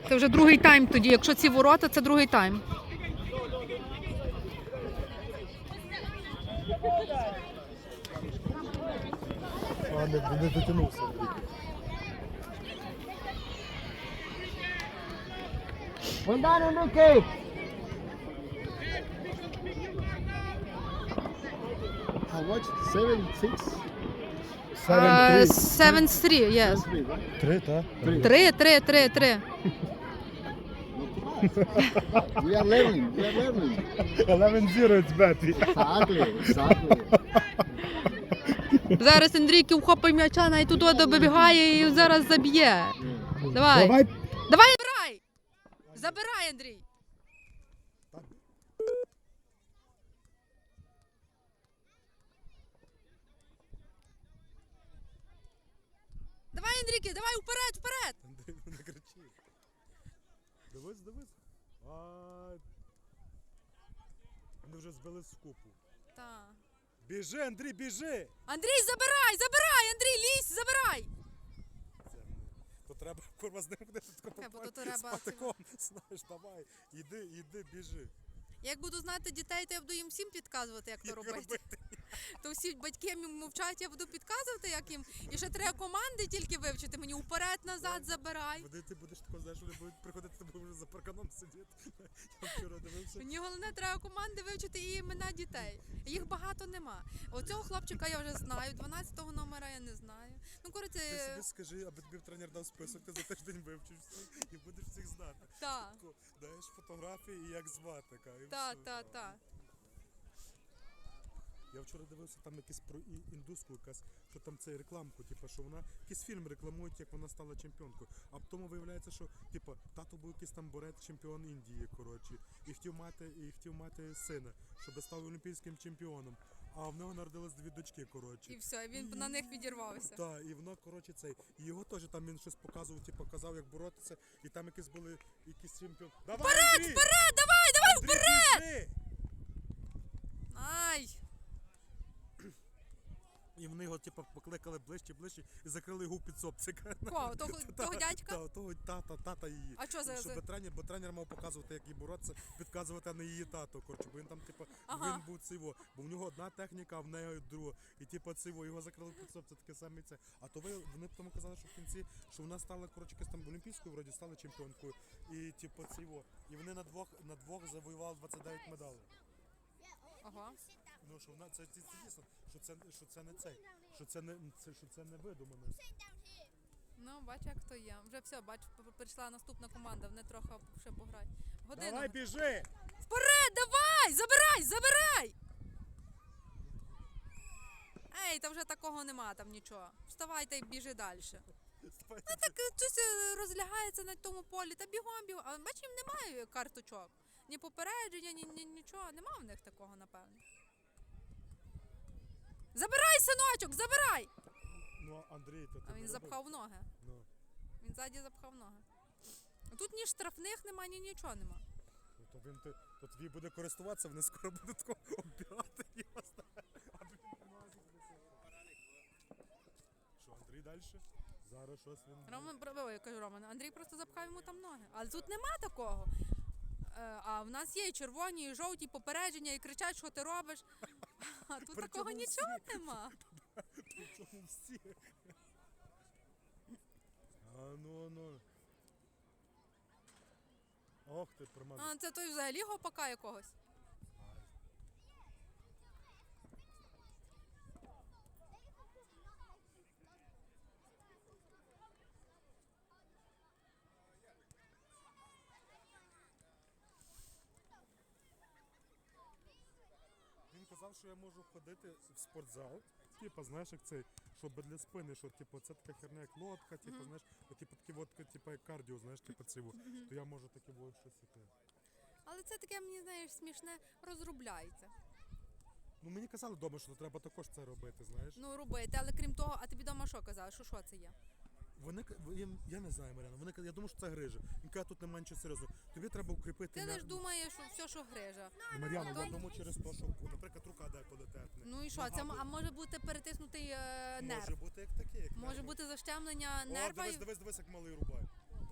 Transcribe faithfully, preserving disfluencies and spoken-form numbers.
Це вже другий тайм тоді. Якщо ці ворота, це другий тайм. А, не, не дотягнувся. One down, Enrique. How much? Seven, six? Uh, seven three, yes. Three, right? Три, так? Три, три, три, три. We are learning. We are learning. eleven zero, it's better. Exactly. Exactly. Зараз Андрійки вхопить м'яча, навіть туди добігає і зараз заб'є. Давай. Давай. Давай, забирай! Забирай, Андрій! Давай, Андрійки, давай вперед, вперед! Андрій, не кричи. Дивись, дивись. А... Вони вже збили з купу. Так. Біжи, Андрій, біжи! Андрій, забирай, забирай! Андрій, лізь, забирай! Це не... То треба, курва, з ним ходити Та, бо то з треба патиком. Знаєш, давай, іди, іди, біжи. Як буду знати дітей, то я буду їм всім підказувати, як то Як робити. робити? То всі батьки мовчать, я буду підказувати, як їм. І ще треба команди тільки вивчити. Мені вперед, назад, забирай. Куди ти будеш тако, знаєш, вони будуть приходити, ти будеш вже за парканом сидіти. Я вчора дивився. Мені головне, треба команди вивчити і імена дітей. Їх багато нема. Оцього хлопчика я вже знаю, дванадцятого номера я не знаю. Ну, коротше, Ти собі скажи, аби тобі тренер дав список, ти за тиждень вивчиш всіх і будеш всіх знати. та, Тако, даєш фотографії і як звати. Ка, і та, все. та, та. Я вчора дивився там якийсь про і- індуску, якась, що там це рекламку, типу, що вона якийсь фільм рекламують, як вона стала чемпіонкою. А потім виявляється, що типу, тато був якийсь там борець, чемпіон Індії, коротше, і хотів мати, і хотів мати сина, щоб став олімпійським чемпіоном. А в нього народились дві дочки, коротше. І все, він на них відірвався. Так, і воно, коротше, цей. І його теж там він щось показував, типу, казав, як боротися, і там якісь були якісь чемпіон. Давай, Вперед, Андрій! вперед, давай, давай, Андрій, вперед! біжи! Ай! І вони його, типу, покликали ближче, ближче і закрили його під сопцика. Кого? Того, того дядька? Та, того тата, тата її. А що за- Щоб за- тренер, бо тренер мав показувати, як їй боротися, підказувати, а не її тато, коротше, бо він там, типу, Ага. він був циво, бо в нього одна техніка, а в неї друга. І типу циво, його закрили під сопця, таке саме це. А то ви, вони тому казали, що в кінці, що вона стала, коротше, якась там олімпійською, вроді, стала чемпіонкою. І типу циво. І вони на двох, на двох завоювали двадцять дев'ять медалей. Ага. Ну, що вона, це, це, це дійсно, що це, що це не цей, що це не, це, що це не видумано. Ну, бач, як то є. Вже все, бач, п- прийшла наступна команда, вони трохи ще пограють. Годину. Давай, біжи! Вперед, давай! Забирай, забирай! Ей, та вже такого нема там нічого. Вставай та й біжи далі. Ну так е, щось е, розлягається на тому полі, та бігом бігом. А бач, їм немає карточок. Ні попередження, ні, ні нічого. Нема в них такого, напевно. Забирай, синочок, забирай! Ну, а Андрій, то ти А він не запхав ноги. робив? Ну, Він ззаді запхав ноги. А тут ні штрафних нема, ні нічого нема. ну, то він, ти, то тобі буде користуватися, вони скоро будуть тако оббігати його, знаєш. А він не може присутати. Що, Андрій далі? Зараз щось він... Роман, про- ой, я кажу, Роман, Андрій просто запхав йому там ноги. Але тут нема такого. Е, А в нас є і червоні, і жовті попередження, і кричать, що ти робиш. А тут Причому такого всі. нічого нема. Причому всі. А ну, ну. Ох ти, промазав. А це той взагалі гопака якогось. Він казав, що я можу ходити в спортзал, типу, знаєш, як цей, щоб для спини, що типу, це така херня, як лодка, типу, Мгм. знаєш, от, типу, такі от, типу, як кардіо, знаєш, типу, циво, то я можу таке ось щось таке. Але це таке, мені знаєш, смішне, розробляється. Ну, мені казали вдома, що треба також це робити, знаєш. Ну, робити, але крім того, а тобі вдома що казали, що що це є? Вони, к- я, я не знаю, Мар'яна, вони, ка- я думаю, що це грижа. Він каже, тут немає нічого серйозного. Тобі треба укріпити... Ти м'я- лиш думаєш, що все, що грижа. Ну, Мар'яна, То- я думаю, через те, що, наприклад, рука деколи терпне. Ну і що, це м- а може бути перетиснутий е, Може нерв? бути як таке, як Може нерви. бути защемлення О, нерва? дивись, і- дивись, дивись, як малий рубає.